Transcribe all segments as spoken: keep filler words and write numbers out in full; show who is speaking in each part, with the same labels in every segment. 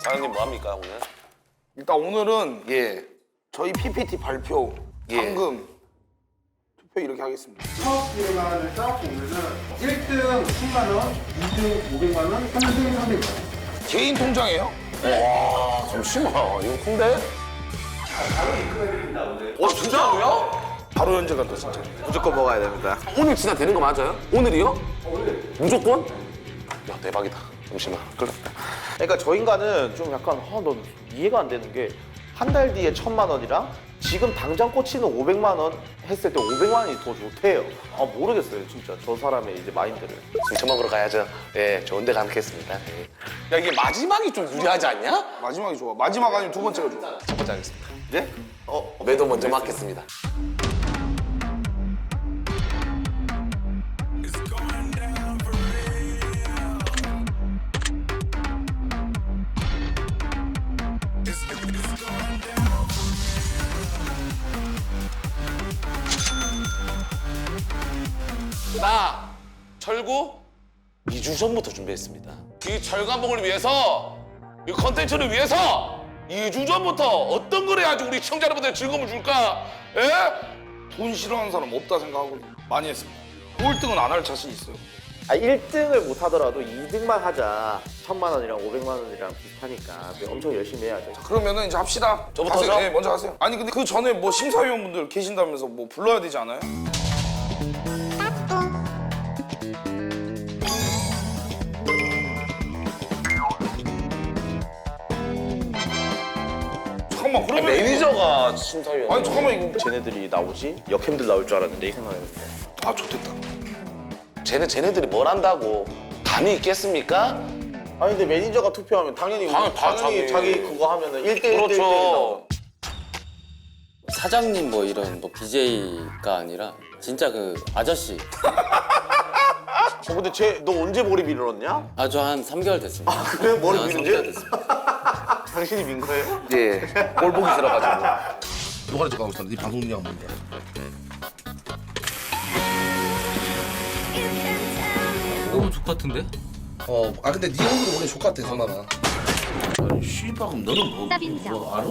Speaker 1: 사장님 뭐 합니까 오늘?
Speaker 2: 일단 오늘은
Speaker 1: 예.
Speaker 2: 저희 피피티 발표,
Speaker 1: 예.
Speaker 2: 상금 투표 이렇게 하겠습니다.
Speaker 3: 사업 기획안을 짜보면은 일 등 십만 원, 이 등 오백만 원, 삼 등 삼백만 원.
Speaker 2: 개인 통장이에요?
Speaker 1: 와 잠시만 이거 큰데? 어 진짜로요?
Speaker 2: 바로 현재 간다 진짜.
Speaker 1: 무조건 먹어야 됩니다. 오늘 진짜 되는 거 맞아요? 오늘이요? 오늘. 무조건? 야 대박이다. 잠시만. 끌렸다.
Speaker 4: 그러니까 저 인간은 좀 약간 아, 넌 이해가 안 되는 게 한 달 뒤에 천만 원이랑 지금 당장 꽂히는 오백만 원 했을 때 오백만 원이 더 좋대요. 아 모르겠어요 진짜 저 사람의 이제 마인드를.
Speaker 1: 술 처먹으러 가야죠. 예, 좋은 데 가겠습니다. 예. 야 이게 마지막이 좀 유리하지 않냐?
Speaker 2: 마지막이 좋아. 마지막 아니면 두 번째가 좋아.
Speaker 1: 첫 번째 하겠습니다.
Speaker 4: 예? 어?
Speaker 1: 매도 먼저 맞겠습니다. 나 철구 이 주 전부터 준비했습니다. 이 철가목을 위해서, 이 컨텐츠를 위해서 이 주 전부터 어떤 걸 해야지 우리 시청자 여러분들 즐거움을 줄까? 예?
Speaker 2: 돈 싫어하는 사람 없다 생각하고 많이 했습니다. 꼴등은 안 할 자신 있어요.
Speaker 4: 아 일 등을 못 하더라도 이 등만 하자. 천만 원이랑 오백만 원이랑 비슷하니까 엄청 열심히 해야죠.
Speaker 2: 그러면은 이제 합시다.
Speaker 1: 저부터죠?
Speaker 2: 하세요. 네, 먼저 하세요. 아니 근데 그 전에 뭐 심사위원분들 계신다면서 뭐 불러야 되지 않아요? 잠깐만 그러면
Speaker 1: 매니저가 심사위원.
Speaker 2: 아니 잠깐만 이거
Speaker 4: 쟤네들이 나오지? 역캠들 나올 줄 알았는데 이 생각했는데.
Speaker 2: 아 좋겠다.
Speaker 1: 쟤네 쟤네들이 뭘 한다고 감이 있겠습니까?
Speaker 4: 아니 근데 매니저가 투표하면 당연히
Speaker 1: 당연- 다
Speaker 4: 당연히
Speaker 1: 자기-
Speaker 4: 자기 그거 하면은 일 대 일 대 일 대 일
Speaker 1: 그렇죠.
Speaker 4: 나오죠.
Speaker 5: 사장님 뭐 이런 뭐 비제이가 아니라 진짜 그 아저씨.
Speaker 4: 어 근데 쟤 너 언제 머리 밀었냐?
Speaker 5: 아주 한 삼 개월 됐습니다.
Speaker 4: 아, 그래? 머리
Speaker 5: 한
Speaker 4: 밀은
Speaker 5: 삼
Speaker 4: 지?
Speaker 5: 개월 됐습니다.
Speaker 4: 당신이 민 거예요?
Speaker 1: 예. 꼴 보기 싫어가지고.
Speaker 6: 누가 가고 있어? 네 방송 중량 뭔데?
Speaker 5: 너무 좋같은데?
Speaker 6: 어, 아 근데 네 얼굴이 원래 족같아, 성남아.
Speaker 7: 아니 씨박은 너는 뭐, 뭐 알아?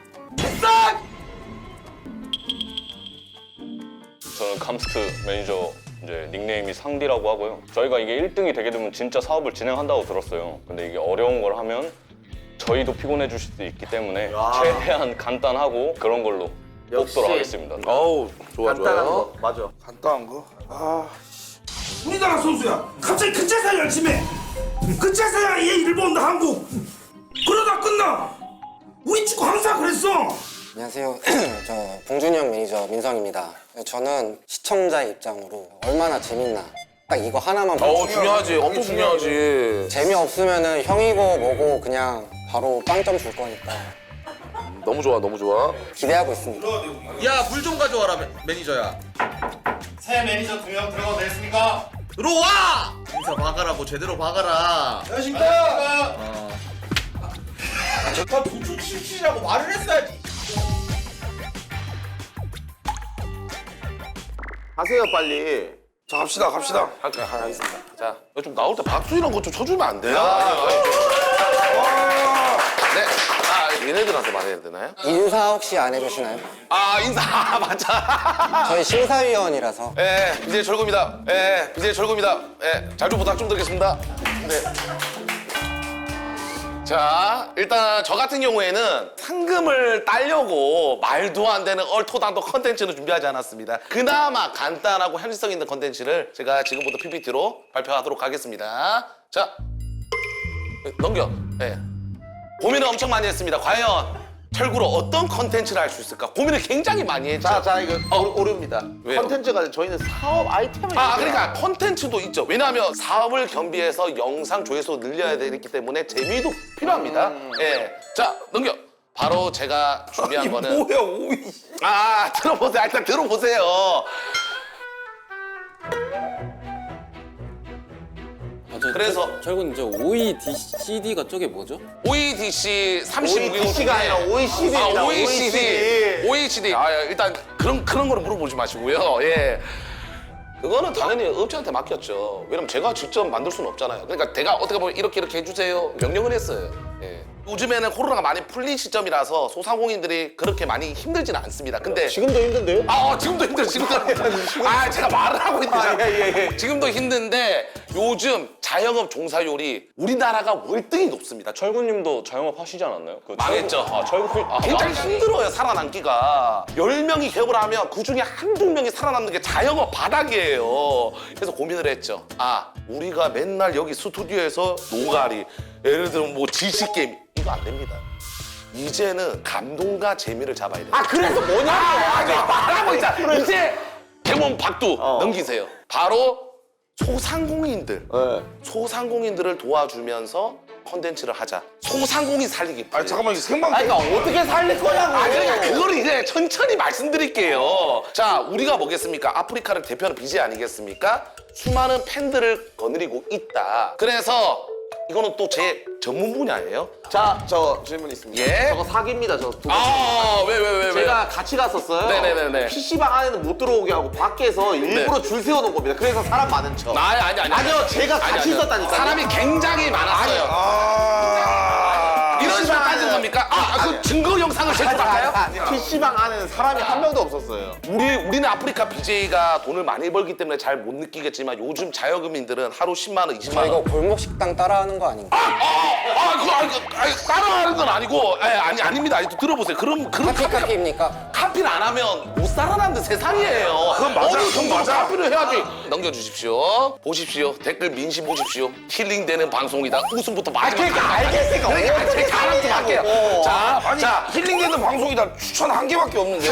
Speaker 8: 저는 감스트 매니저 이제 닉네임이 상디라고 하고요. 저희가 이게 일 등이 되게 되면 진짜 사업을 진행한다고 들었어요. 근데 이게 어려운 걸 하면 저희도 피곤해 주실 수 있기 때문에
Speaker 4: 야.
Speaker 8: 최대한 간단하고 그런 걸로
Speaker 4: 역시.
Speaker 8: 뽑도록 하겠습니다.
Speaker 1: 어우 좋아
Speaker 4: 간단한
Speaker 1: 좋아요.
Speaker 4: 거 맞아.
Speaker 2: 간단한 거. 아
Speaker 7: 우리나라 선수야 갑자기 그제서야 열심히 해. 그제서야 얘 일을 본다 한국. 그러다 끝나. 우리 축구 항상 그랬어.
Speaker 9: 안녕하세요. 저 봉준이 형 매니저 민성입니다. 저는 시청자의 입장으로 얼마나 재밌나 딱 이거 하나만
Speaker 1: 어
Speaker 9: 보고
Speaker 1: 중요하지. 엄청 중요하지.
Speaker 9: 재미없으면은 형이고 뭐고 그냥 바로 빵점 줄 거니까
Speaker 1: 너무 좋아 너무 좋아.
Speaker 9: 기대하고 있습니다.
Speaker 10: 야, 물 좀 가져와라, 매, 매니저야.
Speaker 7: 새 매니저 두 명 들어가도 됐습니까?
Speaker 10: 들어와! 인사 박아라고, 제대로 박아라.
Speaker 7: 안녕하십니까?
Speaker 10: 어. 나 도축 칠칠이라고 말을 했어야지.
Speaker 4: 하세요 빨리.
Speaker 2: 자 갑시다 갑시다.
Speaker 1: 할게요 하겠습니다. 자, 이거 좀 나올 때 박수 이런 거 좀 쳐주면 안 돼요? 네. 아 얘네들한테 말해야 되나요?
Speaker 9: 인사 혹시 안 해주시나요?
Speaker 1: 아 인사 아, 맞아.
Speaker 9: 저희 심사위원이라서
Speaker 1: 예, 비제이 철구입니다. 예, 비제이 철구입니다. 예, 잘 좀 부탁 좀 드리겠습니다. 네. 자, 일단 저 같은 경우에는 상금을 따려고 말도 안 되는 얼토당토 컨텐츠는 준비하지 않았습니다. 그나마 간단하고 현실성 있는 컨텐츠를 제가 지금부터 피피티로 발표하도록 하겠습니다. 자, 넘겨. 예. 고민을 엄청 많이 했습니다. 과연 철구로 어떤 컨텐츠를 할 수 있을까? 고민을 굉장히 많이 했죠.
Speaker 4: 자, 자 이거 오, 오류입니다.
Speaker 1: 왜요?
Speaker 4: 컨텐츠가 저희는 사업 아이템을
Speaker 1: 아,
Speaker 4: 얘기해요.
Speaker 1: 그러니까 콘텐츠도 있죠. 왜냐하면 사업을 겸비해서 영상 조회수 늘려야 되기 때문에 재미도 필요합니다.
Speaker 4: 음.
Speaker 1: 예. 자, 넘겨. 바로 제가 준비한
Speaker 2: 아니
Speaker 1: 거는
Speaker 2: 뭐야 오이.
Speaker 1: 아, 들어보세요. 일단 들어보세요.
Speaker 5: 아, 저,
Speaker 1: 그래서-
Speaker 5: 저, 철군 저 오이디씨디가 저게 뭐죠?
Speaker 1: 오이디씨 삼십오 경
Speaker 4: 오이디씨가 아니라 오이씨디입니다.
Speaker 1: 아, 오이씨디. 오이씨디. 아, 일단 그런 그런 거는 물어보지 마시고요. 예. 그거는 당연히 업체한테 맡겼죠. 왜냐면 제가 직접 만들 수는 없잖아요. 그러니까 제가 어떻게 보면 이렇게 이렇게 해주세요. 명령을 했어요. 예. 요즘에는 코로나가 많이 풀린 시점이라서 소상공인들이 그렇게 많이 힘들지는 않습니다. 근데
Speaker 4: 지금도 힘든데요?
Speaker 1: 아, 어, 지금도 힘들어, 지금도 힘들어. 아, 제가 말을 하고 있는데.
Speaker 4: 아, 예, 예, 예.
Speaker 1: 지금도 힘든데 요즘 자영업 종사율이 우리나라가 월등히 높습니다.
Speaker 8: 철구님도 자영업 하시지 않았나요? 그
Speaker 1: 망했죠.
Speaker 8: 철구, 아 철구 아,
Speaker 1: 굉장히
Speaker 8: 망-
Speaker 1: 힘들어요, 살아남기가. 열 명이 개업을 하면 그 중에 한두 명이 살아남는 게 자영업 바닥이에요. 그래서 고민을 했죠. 아, 우리가 맨날 여기 스튜디오에서 노가리, 예를 들면 뭐 지식게임, 이거 안 됩니다. 이제는 감동과 재미를 잡아야 돼요.
Speaker 4: 아 그래서 뭐냐고.
Speaker 1: 아, 아, 말하고 있잖아. 이제 개몽 박두 넘기세요. 바로 소상공인들.
Speaker 4: 네.
Speaker 1: 소상공인들을 도와주면서 컨텐츠를 하자. 소상공인 살리기.
Speaker 2: 아 잠깐만 이거 생방.
Speaker 4: 아니 그러니까 어떻게 살릴 거냐고.
Speaker 1: 아, 그러니까 그걸 이제 천천히 말씀드릴게요. 자, 우리가 뭐겠습니까? 아프리카를 대표하는 비제이 아니겠습니까? 수많은 팬들을 거느리고 있다. 그래서 이거는 또 제 전문 분야예요.
Speaker 4: 자, 저 질문 있습니다.
Speaker 1: 예?
Speaker 4: 저거 사기입니다. 저 두 번.
Speaker 1: 아, 왜, 왜, 왜, 왜?
Speaker 4: 제가 같이 갔었어요.
Speaker 1: 네네네네.
Speaker 4: 피시방 안에는 못 들어오게 하고 밖에서 일부러 줄 세워놓은 겁니다. 그래서 사람 많은 척.
Speaker 1: 아, 아니, 아니, 아니.
Speaker 4: 아니요, 제가
Speaker 1: 아니,
Speaker 4: 같이
Speaker 1: 아니요.
Speaker 4: 있었다니까요.
Speaker 1: 사람이 굉장히 많았어요.
Speaker 2: 아.
Speaker 1: 이런 식으로 따진 겁니까? 아, 그 증거 영상을 제출할까요?
Speaker 4: 피시방 안에는 사람이 한 명도 없었어요.
Speaker 1: 우리, 우리는 아프리카 비제이가 돈을 많이 벌기 때문에 잘 못 느끼겠지만 요즘 자영업인들은 하루 십만 원, 이십만
Speaker 9: 저
Speaker 1: 원.
Speaker 9: 이거 골목 식당 따라하는 거 아닌가?
Speaker 1: 아, 아, 아, 그, 아, 그, 아니, 따라하는 건 아니고, 아니, 아니, 아닙니다. 아니, 또 들어보세요. 그럼, 그런
Speaker 9: 카피
Speaker 1: 카피,
Speaker 9: 카피입니까?
Speaker 1: 카피를 안 하면 못 살아남는 세상이에요.
Speaker 2: 그건 맞아,
Speaker 1: 어느
Speaker 2: 그건
Speaker 1: 정도
Speaker 2: 맞아.
Speaker 1: 카피를 해야지. 넘겨주십시오. 보십시오. 댓글 민심 보십시오. 힐링되는 방송이다. 웃음부터 많이.
Speaker 4: 그러니까 알겠으니까
Speaker 1: 그러니까
Speaker 4: 어떻게
Speaker 1: 제가 알아서
Speaker 4: 살리냐고.
Speaker 1: 할게요. 자,
Speaker 2: 아니
Speaker 1: 자,
Speaker 2: 힐링되는 방송이다 추천 한 개밖에 없는데요?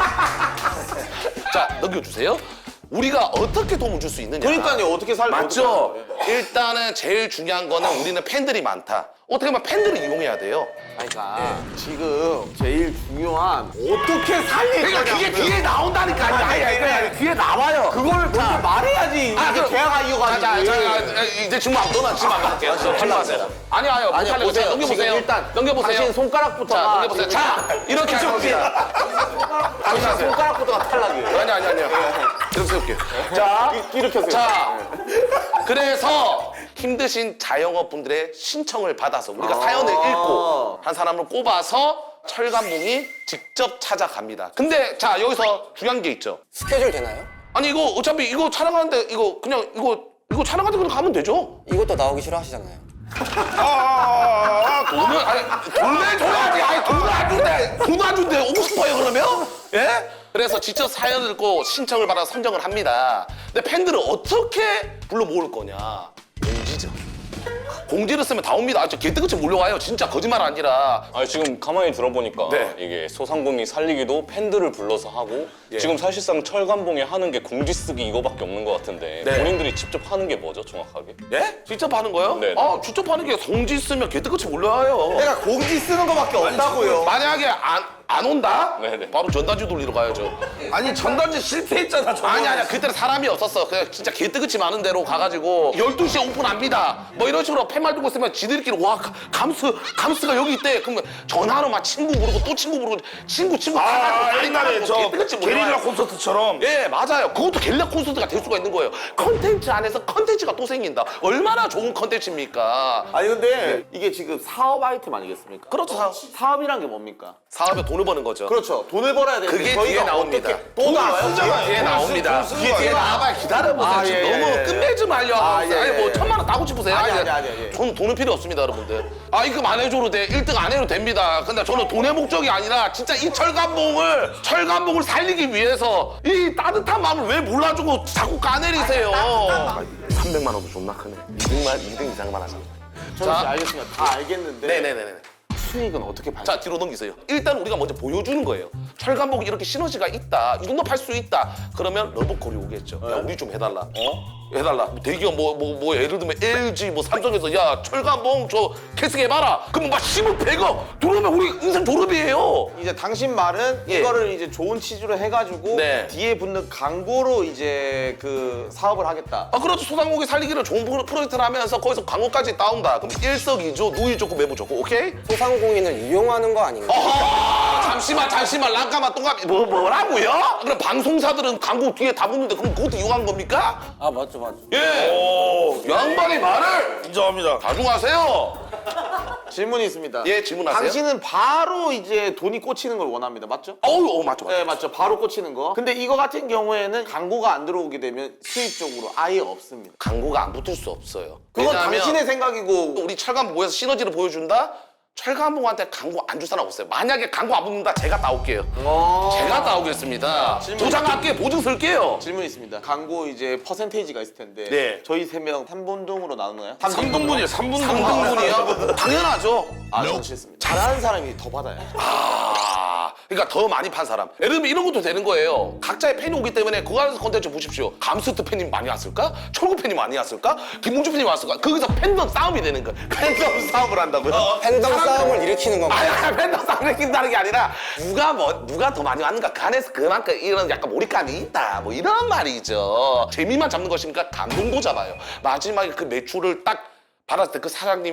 Speaker 1: 자, 넘겨주세요. 우리가 어떻게 도움을 줄 수 있느냐.
Speaker 4: 그러니까요, 어떻게 살려?
Speaker 1: 맞죠? 일단은 제일 중요한 거는 우리는 팬들이 많다. 어떻게 보면 팬들을 이용해야 돼요.
Speaker 4: 그러니까 지금 제일 중요한 어떻게 살릴
Speaker 1: 그러니까
Speaker 4: 거냐고.
Speaker 1: 그게 뒤에 나온다니까. 아니, 아니, 아니, 아니, 아니, 뒤에 나와요.
Speaker 4: 그걸 먼저 말해야지.
Speaker 1: 아,
Speaker 4: 이게
Speaker 1: 그럼-
Speaker 4: 대화가
Speaker 1: 자,
Speaker 4: 이어가지.
Speaker 1: 자, 자, 이제 지금 안 떠나. 지금 안 갈게요. 탈락하세요. 아니, 아니요. 못
Speaker 4: 아니요,
Speaker 1: 탈락해요.
Speaker 4: 보세요.
Speaker 1: 넘겨보세요.
Speaker 4: 지금 일단
Speaker 1: 넘겨보세요.
Speaker 4: 당신 손가락부터.
Speaker 1: 자, 넘겨보세요. 자, 이렇게 할 겁니다.
Speaker 4: 당신 손가락부터가 탈락이에요.
Speaker 1: 아니, 아니, 아니요. 이렇게 세울게요.
Speaker 4: 자, 이렇게 하세요.
Speaker 1: 자, 그래서 힘드신 자영업분들의 신청을 받아서 우리가
Speaker 4: 아.
Speaker 1: 사연을 읽고 한 사람을 꼽아서 철감봉이 직접 찾아갑니다. 근데 자, 여기서 중요한 게 있죠.
Speaker 9: 스케줄 되나요?
Speaker 1: 아니, 이거 어차피 이거 촬영하는데 이거 그냥 이거 이거 촬영하는데 그냥 가면 되죠.
Speaker 9: 이것도 나오기 싫어하시잖아요.
Speaker 2: 아,
Speaker 1: 돈을 아니 돈을 줘야지. 아니 돈을 안 준대. 돈 안 준대. 오고 싶어요 그러면? 예? 그래서 직접 사연을 읽고 신청을 받아 선정을 합니다. 근데 팬들을 어떻게 불러 모을 거냐? 공지죠. 공지를 쓰면 다 옵니다. 아, 저 개뜨같이 몰려와요. 진짜 거짓말 아니라.
Speaker 8: 아니 지금 가만히 들어보니까
Speaker 1: 네.
Speaker 8: 이게 소상공인 살리기도 팬들을 불러서 하고
Speaker 1: 예.
Speaker 8: 지금 사실상 철감봉에 하는 게 공지 쓰기 이거밖에 없는 것 같은데
Speaker 1: 네.
Speaker 8: 본인들이 직접 하는 게 뭐죠 정확하게?
Speaker 1: 예? 직접 하는 거요?
Speaker 8: 네.
Speaker 1: 아, 직접 하는 게 공지 쓰면 개뜨같이 몰려와요.
Speaker 4: 내가 공지 쓰는 거밖에 없다고요.
Speaker 1: 만약에 안, 안 온다?
Speaker 8: 네네.
Speaker 1: 바로 전단지 돌리러 가야죠.
Speaker 2: 아니 전단지 실패했잖아. 저번에.
Speaker 1: 아니 아니야 그때는 사람이 없었어. 그냥 진짜 개뜨같이 많은 데로 가가지고 열두 시에 오픈합니다. 뭐 이런 식으로 팻말 두고 있으면 지들끼리 와 가- 감스 감스가 여기 있대. 그러면 전화로 막 친구 부르고 또 친구 부르고 친구 친구
Speaker 2: 아,
Speaker 1: 가가지고
Speaker 2: 옛날에 저
Speaker 1: 개뜨같이 몰려와요.
Speaker 2: 게릴라 콘서트처럼.
Speaker 1: 예, 맞아요. 그것도 게릴라 콘서트가 될 수가 있는 거예요. 컨텐츠 안에서 컨텐츠가 또 생긴다. 얼마나 좋은 컨텐츠입니까?
Speaker 4: 아니 근데 이게 지금 사업 아이템 아니겠습니까?
Speaker 1: 그렇죠. 사업.
Speaker 4: 사업이란 게 뭡니까?
Speaker 1: 사업에 돈을 버는 거죠.
Speaker 4: 그렇죠. 돈을 벌어야 되는데
Speaker 1: 그게
Speaker 4: 저희가
Speaker 1: 뒤에 나옵니다.
Speaker 4: 어떻게 또 나와요?
Speaker 2: 쓰잖아요.
Speaker 1: 뒤에
Speaker 2: 돈을
Speaker 1: 나옵니다.
Speaker 2: 쓰- 돈을 쓰는
Speaker 1: 뒤에
Speaker 2: 거
Speaker 1: 뒤에
Speaker 2: 아니야?
Speaker 1: 나와봐요. 기다려보세요.
Speaker 4: 아,
Speaker 1: 지금
Speaker 4: 예,
Speaker 1: 너무
Speaker 4: 예, 예.
Speaker 1: 끝내지 말려.
Speaker 4: 아, 예,
Speaker 1: 아니 뭐
Speaker 4: 예.
Speaker 1: 천만 원 따고 싶으세요?
Speaker 4: 아니, 아니, 아니, 아니.
Speaker 1: 저는 돈은 필요 없습니다, 여러분들. 아, 입금 안 해줘도 돼. 일 등 안 해도 됩니다. 근데 저는 돈의 목적이 아니라 진짜 이 철감봉을 철감봉을 살리기 위해서 이 따뜻한 마음을 왜 몰라주고 자꾸 까내리세요. 삼백만 원도 존나 크네. 이 등만 이 등 이상만 하자.
Speaker 4: 저는
Speaker 1: 자.
Speaker 4: 이제 알겠습니다. 다 알겠는데
Speaker 1: 네네네네.
Speaker 4: 수익은 어떻게 발생?
Speaker 1: 자, 뒤로 넘기세요. 일단 우리가 먼저 보여주는 거예요. 철감봉이 이렇게 시너지가 있다. 이 정도 팔 수 있다. 그러면 러브콜이 오겠죠. 야, 우리 좀 해달라. 어? 해달라. 대기업 뭐, 뭐, 뭐, 예를 들면 엘지, 뭐, 삼성에서 야, 철감봉 저 캐스팅해봐라. 그러면 막 십억, 백억 들어오면 우리 인생 졸업이에요.
Speaker 4: 이제 당신 말은
Speaker 1: 예.
Speaker 4: 이거를 이제 좋은 취지로 해가지고
Speaker 1: 네.
Speaker 4: 뒤에 붙는 광고로 이제 그 사업을 하겠다.
Speaker 1: 아, 그렇죠. 소상공인 살리기를 좋은 프로- 프로젝트를 하면서 거기서 광고까지 따온다. 그럼 일석이조, 누이 좋고 매부 좋고, 오케이?
Speaker 9: 소상공인을 이용하는 거 아닌가?
Speaker 1: 어허! 잠시만, 잠시만, 랑까마 똥까미 뭐, 뭐라고요? 그럼 방송사들은 광고 뒤에 다 붙는데 그럼 그것도 이용한 겁니까?
Speaker 5: 아 맞죠 맞죠.
Speaker 1: 예!
Speaker 2: 오,
Speaker 1: 양반이 말을
Speaker 2: 인정합니다.
Speaker 1: 자중하세요.
Speaker 4: 질문이 있습니다.
Speaker 1: 예, 질문하세요.
Speaker 4: 당신은 바로 이제 돈이 꽂히는 걸 원합니다. 맞죠?
Speaker 1: 어우, 어, 맞죠, 맞죠.
Speaker 4: 네, 맞죠. 바로 꽂히는 거. 근데 이거 같은 경우에는 광고가 안 들어오게 되면 수입적으로 아예 없습니다.
Speaker 1: 광고가 안 붙을 수 없어요.
Speaker 4: 그건
Speaker 1: 왜냐하면
Speaker 4: 당신의 생각이고
Speaker 1: 우리 철간부 모여서 시너지를 보여준다? 철간부한테 광고 안 줄 사람 없어요. 만약에 광고 안 붙는다, 제가 따올게요. 제가 따오겠습니다. 도장할게요. 보증 쓸게요.
Speaker 4: 질문 있습니다. 광고 이제 퍼센테이지가 있을 텐데
Speaker 1: 네.
Speaker 4: 저희 세 명 삼 분동으로 나누나요?
Speaker 2: 삼 등분이에요. 삼 분
Speaker 1: 삼 등분이요? 당연하죠.
Speaker 4: 아, 저는 싫습니다. 잘하는 사람이 더 받아요.
Speaker 1: 아, 그러니까 더 많이 판 사람. 예를 들면 이런 것도 되는 거예요. 각자의 팬이 오기 때문에 그거 안에서 컨텐츠 보십시오. 감스트 팬이 많이 왔을까? 철구 팬이 많이 왔을까? 김봉주 팬이 왔을까? 거기서 팬덤 싸움이 되는 거야. 팬덤 싸움을 한다고요?
Speaker 9: 팬덤 싸움을 일으키는 건가요?
Speaker 1: 아니, 아니, 팬덤 싸움을 일으킨다는 게 아니라 누가 뭐 누가 더 많이 왔는가 그 안에서 그만큼 이런 약간 몰입감이 있다 뭐 이런 말이죠. 재미만 잡는 것입니까? 감동도 잡아요. 마지막에 그 매출을 딱 받았을 때 그 사장님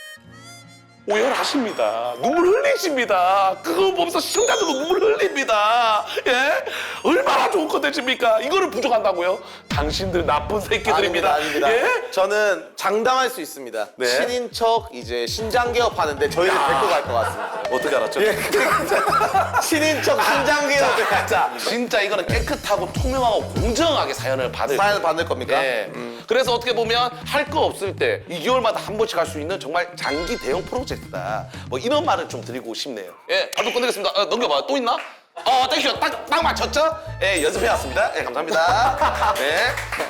Speaker 1: 오열하십니다. 눈물 흘리십니다. 그거 보면서 시청자들도 눈물 흘립니다. 예? 얼마나 좋은 컨텐츠입니까? 이거를 부족한다고요? 당신들 나쁜 새끼들입니다.
Speaker 4: 아닙니다. 아닙니다.
Speaker 1: 예?
Speaker 4: 저는 장담할 수 있습니다.
Speaker 1: 네.
Speaker 4: 친인척 이제 신장 개업하는데 저희를 데리고 갈 것 같습니다.
Speaker 1: 어떻게 알았죠?
Speaker 4: 친인척 신장 개업.
Speaker 1: 자, 진짜 이거는 깨끗하고 투명하고 공정하게 사연을 받을
Speaker 4: 사연을 받을 겁니까?
Speaker 1: 예. 그래서 어떻게 보면 할 거 없을 때 이 개월마다 한 번씩 할 수 있는 정말 장기 대형 프로젝트다. 뭐 이런 말을 좀 드리고 싶네요. 예, 발표 끝내겠습니다. 어, 넘겨봐. 또 있나? 어, 땡큐. 딱, 딱 맞췄죠? 예, 연습해왔습니다. 예, 감사합니다. 네.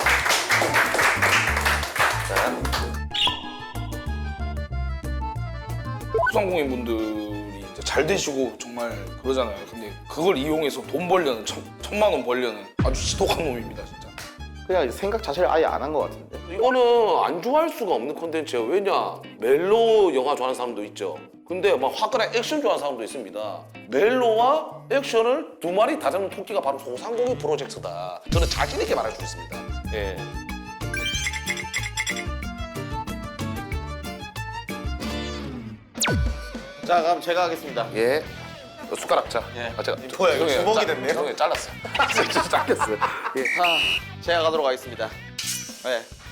Speaker 2: 소상공인분들이 이제 잘 되시고 정말 그러잖아요. 근데 그걸 이용해서 돈 벌려는 천, 천만 원 벌려는 아주 지독한 놈입니다, 진짜.
Speaker 4: 그냥 생각 자체를 아예 안 한 것 같은데.
Speaker 1: 이거는 안 좋아할 수가 없는 콘텐츠예요. 왜냐? 멜로 영화 좋아하는 사람도 있죠. 근데 막 화끈한 액션 좋아하는 사람도 있습니다. 멜로와 액션을 두 마리 다 잡는 토끼가 바로 소상공인 프로젝트다. 저는 자신 있게 말할 수 있습니다. 예.
Speaker 4: 자, 그럼 제가 하겠습니다.
Speaker 1: 예. 숟가락 자.
Speaker 4: 예.
Speaker 1: 아, 제가
Speaker 4: 뭐야, 이거
Speaker 1: 죄송해요.
Speaker 4: 주먹이
Speaker 1: 짜-
Speaker 4: 됐네요?
Speaker 1: 죄송해요. 잘랐어요. 진짜 잘렸어요. 예.
Speaker 4: 자, 제가 가도록 하겠습니다. 네.